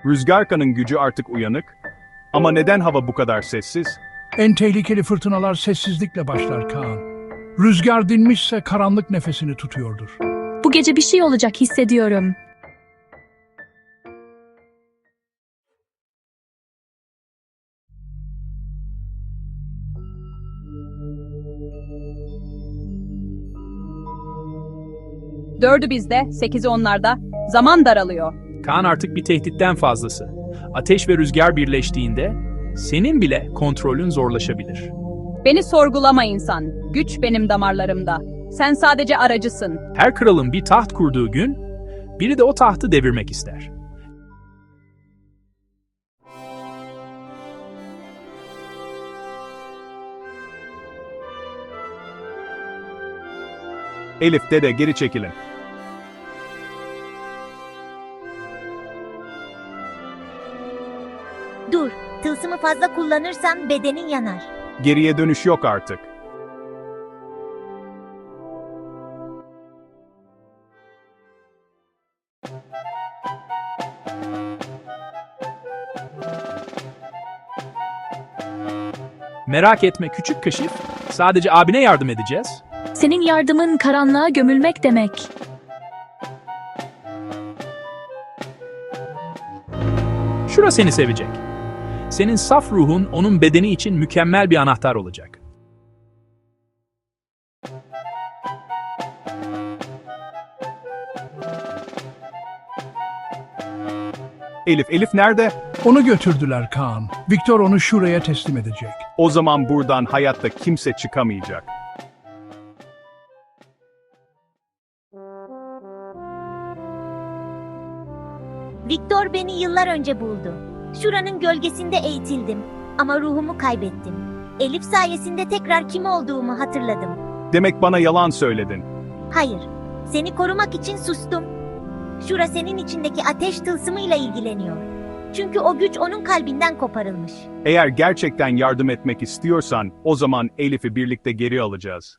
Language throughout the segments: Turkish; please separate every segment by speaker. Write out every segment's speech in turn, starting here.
Speaker 1: Rüzgarka'nın gücü artık uyanık. Ama neden hava bu kadar sessiz?
Speaker 2: En tehlikeli fırtınalar sessizlikle başlar Kaan. Rüzgar dinmişse karanlık nefesini tutuyordur.
Speaker 3: Bu gece bir şey olacak hissediyorum.
Speaker 4: Dördü bizde, 8'i onlarda. Zaman daralıyor.
Speaker 5: Kaan artık bir tehditten fazlası. Ateş ve rüzgar birleştiğinde senin bile kontrolün zorlaşabilir.
Speaker 4: Beni sorgulama insan. Güç benim damarlarımda. Sen sadece aracısın.
Speaker 5: Her kralın bir taht kurduğu gün biri de o tahtı devirmek ister.
Speaker 1: Elif, dede, geri çekilin.
Speaker 6: Dur, tılsımı fazla kullanırsan bedenin yanar.
Speaker 1: Geriye dönüş yok artık.
Speaker 5: Merak etme küçük kaşif, sadece abine yardım edeceğiz.
Speaker 3: Senin yardımın karanlığa gömülmek demek.
Speaker 5: Şura seni sevecek. Senin saf ruhun onun bedeni için mükemmel bir anahtar olacak.
Speaker 1: Elif nerede?
Speaker 2: Onu götürdüler Kaan. Viktor onu şuraya teslim edecek.
Speaker 1: O zaman buradan hayatta kimse çıkamayacak.
Speaker 6: Viktor beni yıllar önce buldu. Şuranın gölgesinde eğitildim ama ruhumu kaybettim. Elif sayesinde tekrar kim olduğumu hatırladım.
Speaker 1: Demek bana yalan söyledin.
Speaker 6: Hayır, seni korumak için sustum. Şura senin içindeki ateş tılsımıyla ilgileniyor. Çünkü o güç onun kalbinden koparılmış.
Speaker 1: Eğer gerçekten yardım etmek istiyorsan, o zaman Elif'i birlikte geri alacağız.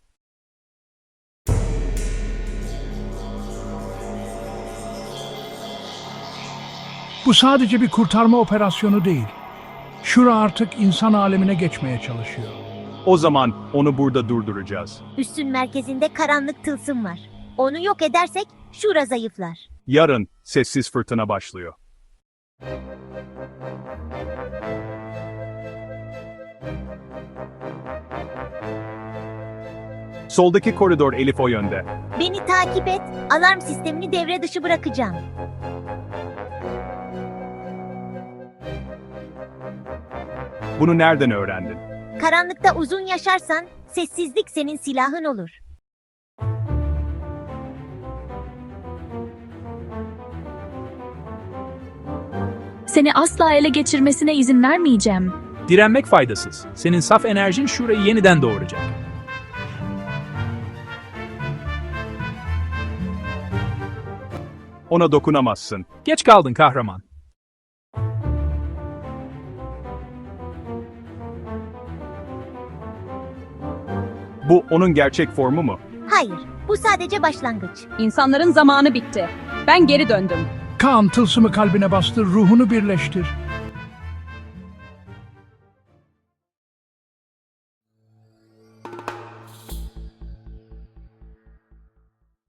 Speaker 2: Bu sadece bir kurtarma operasyonu değil. Şura artık insan alemine geçmeye çalışıyor.
Speaker 1: O zaman onu burada durduracağız.
Speaker 6: Üssün merkezinde karanlık tılsım var. Onu yok edersek Şura zayıflar.
Speaker 1: Yarın sessiz fırtına başlıyor. Soldaki koridor, Elif o yönde.
Speaker 6: Beni takip et, alarm sistemini devre dışı bırakacağım.
Speaker 1: Bunu nereden öğrendin?
Speaker 6: Karanlıkta uzun yaşarsan sessizlik senin silahın olur.
Speaker 3: Seni asla ele geçirmesine izin vermeyeceğim.
Speaker 5: Direnmek faydasız. Senin saf enerjin şurayı yeniden doğuracak.
Speaker 1: Ona dokunamazsın.
Speaker 5: Geç kaldın kahraman.
Speaker 1: Bu onun gerçek formu mu?
Speaker 6: Hayır, bu sadece başlangıç.
Speaker 4: İnsanların zamanı bitti. Ben geri döndüm.
Speaker 2: Kaan tılsımı kalbine bastır, ruhunu birleştir.